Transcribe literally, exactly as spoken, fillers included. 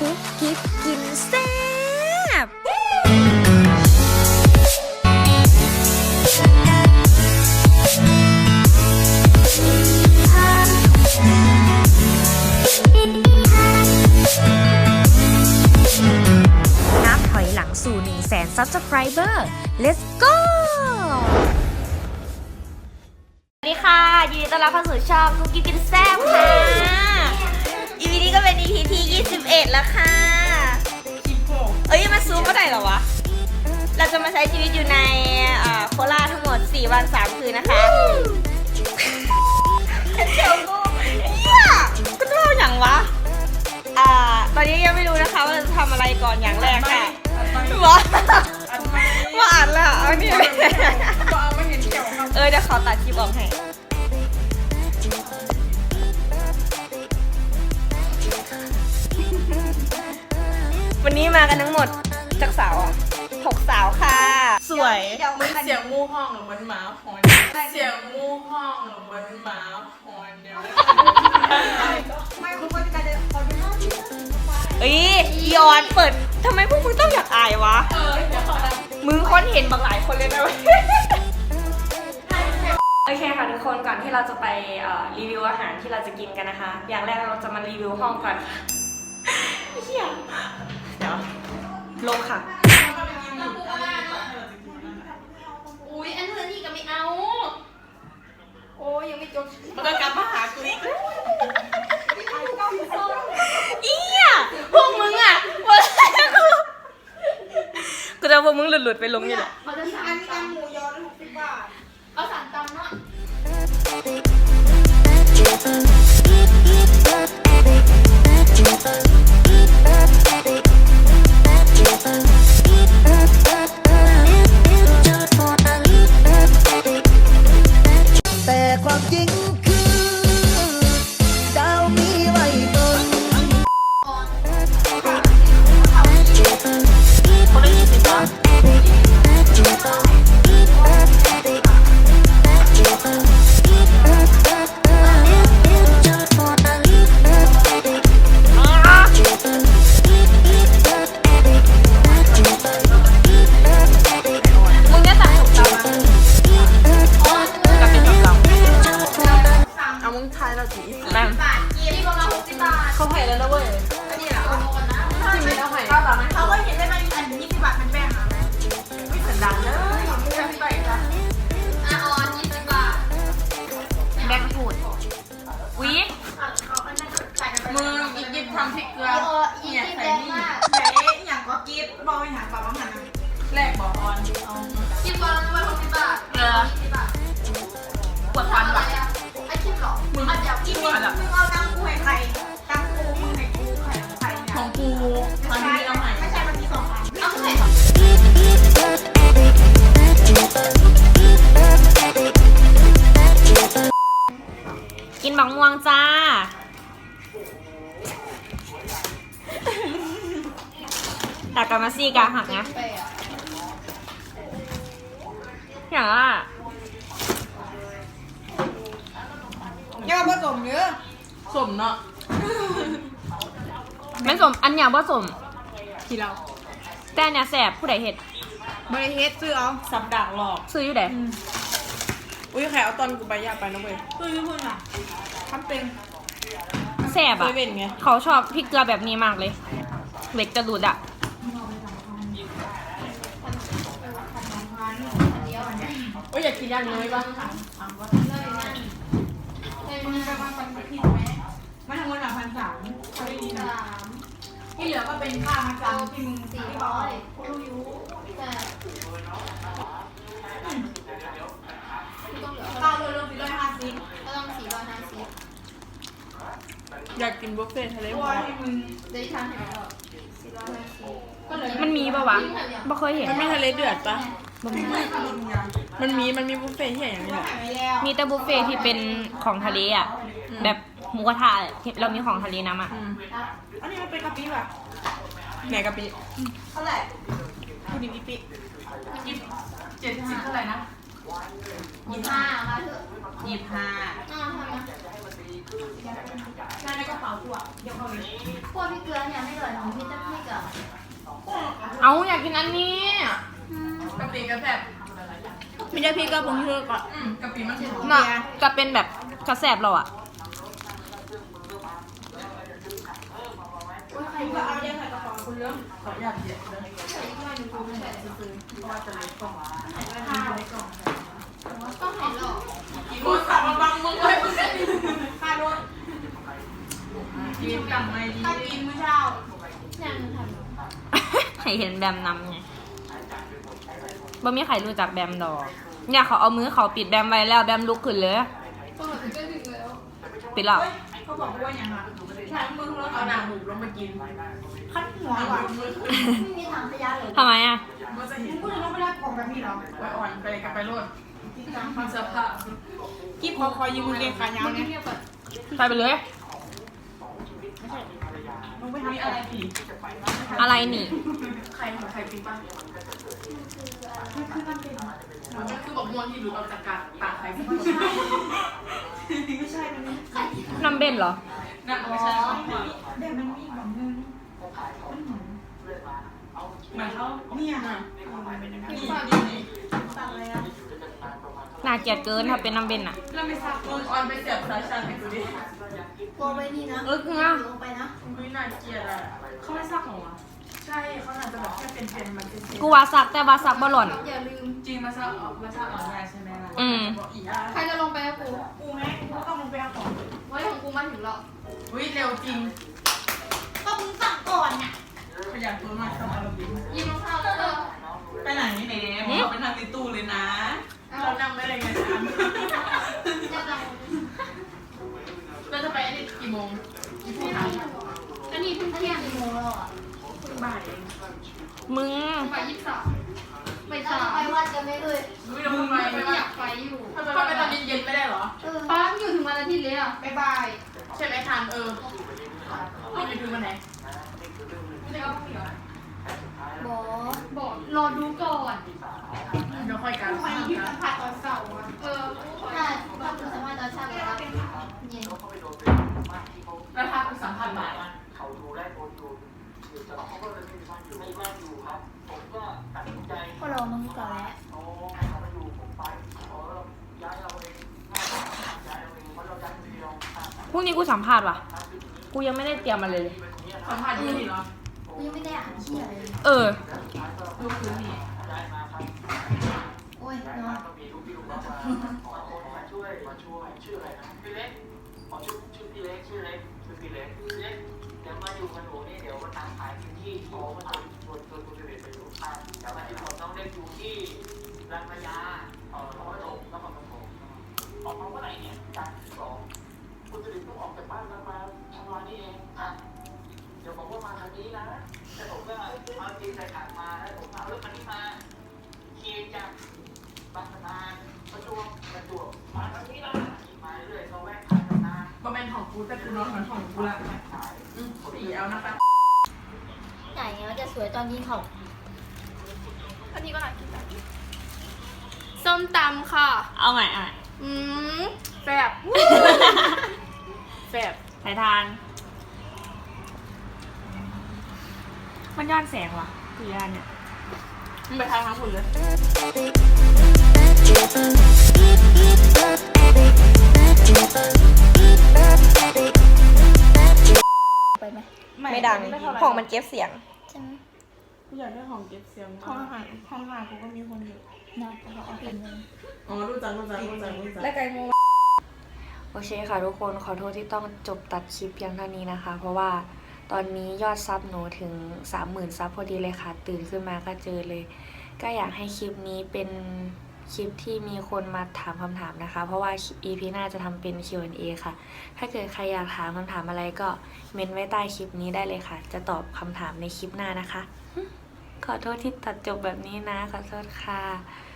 กุ๊กกิ๊บกินแซ่บนับถอยหลังสู่หนึ่งแสน Subscriber Let's go สวัสดีค่ะยินดีต้อนรับเข้าสู่ช่องกุ๊กกิ๊บกินแซ่บค่ะ อี พี นี้ก็เป็น อี พี ที่ยี่สิบเอ็ดแล้วค่ะเอ้ยมาซูมเมื่อไหร่เหรอวะเราจะมาใช้ชีวิตอยู่ในโคราชทั้งหมดสี่วันสามคืนนะคะเดี๋ยวกูเนี่ยก็จะเล่าอย่างวะอ่าตอนนี้ยังไม่รู้นะคะว่าจะทำอะไรก่อนอย่างแรกค่ะว่าว่าอ่านแล้วเอาเนี่ยเออเดี๋ยวขอตัดคลิปออกให้วันนี้มากันทั้งหมดจากสาวอ่ะหกสาวค่ะสวยมึงเสียงมูห้องหรือมันหมาหอนเสียงมูห้องหรือมันหมาหอนเดี๋ยวไม่คุณก็จะได้ขอดูหน้าที่เอ้ยยอนเปิดทำไมพวกมึงต้องอยากอายวะเออเดี๋ยวขอดูมึงคนเห็นบางหลายคนเลยนะเว้ยโอเคค่ะทุกคนก่อนที่เราจะไปรีวิวอาหารที่เราจะกินกันนะคะ อย่างแรกเราจะมารีวิวห้องก่อนเฮียเดี๋ยวลงค่ะอุ้ยอันนู้นนี่ก็ไม่เอาโอ้ยยังไม่จบมันก็กลับมาหากูอีกอีอ่ะพวกมึงอ่ะกูจะพวกมึงหลุดๆไปลงนี่แหละเขาจะสั่งตำหมูยอหกสิบบาทเอาสั่งตำเนาะแต่ความจริงคือดาวมีไว้บนคนละยี่สิบบาทมึงจะสั่งถูกต้องไหมกับเป็นถูกต้องเอามึงทายเราจีแม่งบาทยี่สิบประมาณหกสิบบาทเขาให้แล้วนะเว้ยอันนี้เหรอเอาโอนนะที่มีแล้วให้เขาก็เห็นได้ไหมอันยี่สิบบาทมันแบ่งอ่ะไม่สันดานเลยมึงจะไปจ้ะอ่ะออนยี่สิบบาทแบ่งพูดวิมึงอีกยิบทำพริกเกลืออีโอยี่สิบแรงมากไหนอย่างก็กิฟบอกไปหาปลาบ้างหันแรกบอกออนเอายี่สิบบาทแล้วด้วยหกสิบบาทเกลือยี่สิบบาทปวดฟันอะไรว่ะอ่ะไอ้คิดหรอมึงเดี๋ยวกินมึงเอาตังกูให้ใครตังกูมึงให้กูใครใครเนี่ยของกูตอนนี้เราให้ไม่ใช่มันมีสองอันเอาใส่กินบักม่วงจ้าตากามาซี่กาหักนะไปอ่ะอย่างว่าแก้วผสมเนื้อสมเนาะแม่นสมอันอย่างว่าสมที่เราแต่อันเนี่ยแสบผู้ใดเห็ดบริเฮดซื้อเอาสับดักหลอกซื้ออยู่ไหนอุ้ยแขกเอาตอนกูไปอยากไปนะเว้ยซื้อยี่ห้อน่ะทำเป็นแสบเคอ่ะยเป็นไงเขาชอบพริกเกลือแบบนี้มากเลยเหล็กจะดูดอ่ะโอ้ยอยากกินย่างเนยบ้างมึงไปวางปันผิดไหมไม่ทำเงินหลักพันสามเขาได้ดีนะสามที่เหลือก็เป็นค่ามาจำที่มึงสี่ร้อยรู้อยู่แต่ต้องเหลือข้าวเริ่มสี่ร้อยห้าสิบก็ต้องสี่ร้อยห้าสิบอยากกินบุฟเฟ่ทะเลหมอกได้ทานเห็นแล้วสี่ร้อยห้าสิบก็เลยมันมีปะวะบ่เคยเห็นมันมีทะเลเดือดปะบ่มีมันมีมันมีบุฟเฟ่ที่อย่างนี้แหละมีแต่บุฟเฟ่ที่เป็นของทะเลอ่ะ แบบหมูกระทะที่เรามีของทะเลน้ำอ่ะอืมอันนี้มันเป็นกะปิป่ะไหนกะปิเท่าไหร่พูดดิปิปิยี่สิบเจ็ดสิบเท่าไหร่นะยี่สิบห้ามาเถอะยี่สิบห้าอ้าวทำไมนายในกระเป๋ากูอ่ะเดี๋ยวเขาเลยพวกพี่เกลือเนี่ยไม่เหลือหนูพี่จะพี่กับเอาอยากกินอันนี้กะปิกระแสบไม่ใช่พี่ก็ผงชูรสก่อนอืมกะปิมันหอมน่ะจะเป็นแบบกระแสบเราอะใครก็เอาเยอะใส่กระเป๋าคุณเรื่องขออนุญาตเยอะเลยเพราะว่าจะเล็กกล่องข้าวเล็กกล่องต้องเห็นหรอกกินโมสั่งมาบังมึงเลยมึงเลยค่ารถกินกลับมาถ้ากินมื้อเช้ายังทให้เห็นแบมนำไงบ่มีใครรู้จักแบมดอกเนี่ยเขาเอามือเขาปิดแบมไว้แล้วแบมลุกขึ้นเลยำก็ถึงก็ถึงแล้วปิดแล้วเขาบอกว่าอย่างไรทางมึงรถเอาหนังหมูลงมากินขั้นหัวว่ะไม่มีถังขยะเลยทำไมอะมันจะเห็นมึงลงไม่ได้กล่องแบบนี้หรอไว้อ่อนไปกลับไปรถความเสื้อผ้ากิ๊บคอคอยยืมมือเกงขายาวเนี่ยใส่ไปเลยมึงไปทำอะไรผีอะไรนี่ใครของใครปีป้ามันคือบอกม่วงที่หลุดออกจากกาตาใครไม่ใช่ไม่ใช่มันนี่น้ำเบนเหรอนั่นไม่ใช่เดี๋ยวมันมีแบบนึงเหมือนเขาเนี่ยนะนี่นี่นี่ตัดอะไรอ่ะน่าเกลียดเกินถ้าเป็นน้ำเบนอะเราไม่ซักมึงออนไปเสียบสายชาร์จให้กูดิกลัวไปนี่นะเออคืออะลงไปนะมึงน่าเกลียดอ่ะเขาไม่ซักของวะใช่เขาน่าจะแบบแค่เป็นเป็นมันเป็นกูว่าซักแต่ว่าซักบ่หล่อนอย่าลืมจริงมาซักออกมาซักออนไลน์ใช่ไหมล่ะอืมบอกอีอ่ะใครจะลงไปกับกูกูแม่กูต้องลงไปเอาของไว้ของกูมาถึงแล้วอุ้ยเร็วจริงก็มึงสั่งก่อนน่ะขยันตัวมากสบายเราดียิงรองเท้าแล้วเออไปไหนนี่เนมเราไปนั่งในตู้เลยนะ เรานั่งไม่ได้ไงฉันจะจังเราจะไปอันนี้กี่โมงกี่ทุ่มคะอันนี้เพิ่งเที่ยงกี่โมงแล้วอ่ะบ่ายเองมึงไปยี่สิบสามไปสามไปวัดกันไหมเอ่ยอุ้ยเราไปไปไม่ว่าอยากไปอยู่ทำไมไปตอนเย็นๆไม่ได้เหรอเออป้าอยู่ถึงวันอาทิตย์เลยอ่ะบ๊ายบาย ใช่ไหมทันเออเอาไปดูวันไหนไม่ได้ก็ต้องเหรอบอกบอกรอดูก่อนเดี๋ยวค่อยกันค่อยกันผ่านตอนเสาร์อ่ะเออถ้าถ้าคุณสามารถตอนเช้าเลยครับเย็นแล้วถ้าคุณสัมพันธ์บ่ายเขาดูได้โพสต์ดูอยู่แต่เขาก็เลยไม่มีบ้านอยู่ไม่บ้านอยู่ครับ ผมก็ตัดสินใจก็รอมึงก่อนแล้วโอ้เขาไม่อยู่ผมไปขอย้ายเราเองย้ายเราเองเพราะเราย้ายคนเดียวพรุ่งนี้กูสัมภาษณ์ว่ะ กูยังไม่ได้เตรียมมาเลยสัมพันธ์ยี่สิบเหรอกูยังไม่ได้อ่านเชี่ยเลยเออดูคืนนี่ย้ายมาครับโอ้ยนอนก็มีลูกพี่ลูกน้องมาขอคนมาช่วยมาช่วยชื่ออะไรนะพี่เล็กขอชื่อชื่อพี่เล็กชื่อเล็กชื่อพี่เล็กพี่เล็กเดี๋ยวมาอยู่กับหนูนี่เดี๋ยวมาตามขายพื้นที่ขอมาชวนชวนชวนคุณเล็กไปอยู่อ่าเดี๋ยวมาที่ผมน้องเล็กอยู่ที่รังพยาเออเขาก็ส่งแล้วมันก็ส่งออกมาเมื่อไหร่เนี่ยการสองคุณสิริต้องออกจากบ้านมามาทำงานนี่เองอ่ะเดี๋ยวผมว่ามาทางนี้นะแต่ผมก็เอาจีนใส่ถังมาแล้วผมเอารถคันนี้มาขี่จากบางนาประจวบประจวบมาทางนี้ละขี่มาเรื่อยๆก็แวะขายบางนาก็เป็นของกูแต่กูนอนเหมือนของกูละอืมสีเอานะคะใหญ่ไงมันจะสวยตอนยิงเขาอันนี้ก็น่ากินนะส้มตำค่ะเอาใหม่เอาใหม่อืมแซ่บแซ่บสายทาน มันย้อนแสงว่ะคือย่านเนี่ยมึงไปทางทางฝุ่นเลยไปไหมไม่ดังของมันเก็บเสียงใช่ไหมกูอยากได้ของเก็บเสียงห้องอาหารห้องอาหารกูก็มีคนอยู่น่าจะเอาเป็นเลยอ๋อรู้จักรู้จักรู้จักรู้จักและไก่โมโอเคค่ะทุกคนขอโทษที่ต้องจบตัดคลิปเพียงเท่านี้นะคะ เพราะว่าตอนนี้ยอดซับหนูถึง สามหมื่น ซับพอดีเลยค่ะ ตื่นขึ้นมาก็เจอเลย ก็อยากให้คลิปนี้เป็นคลิปที่มีคนมาถามคำถามนะคะ เพราะว่า อี พี หน้าจะทำเป็น คิว แอนด์ เอ ค่ะ ถ้าเกิดใครอยากถามคำถามอะไรก็เมนไว้ใต้คลิปนี้ได้เลยค่ะ จะตอบคำถามในคลิปหน้านะคะ ขอโทษที่ตัดจบแบบนี้นะขอโทษค่ะ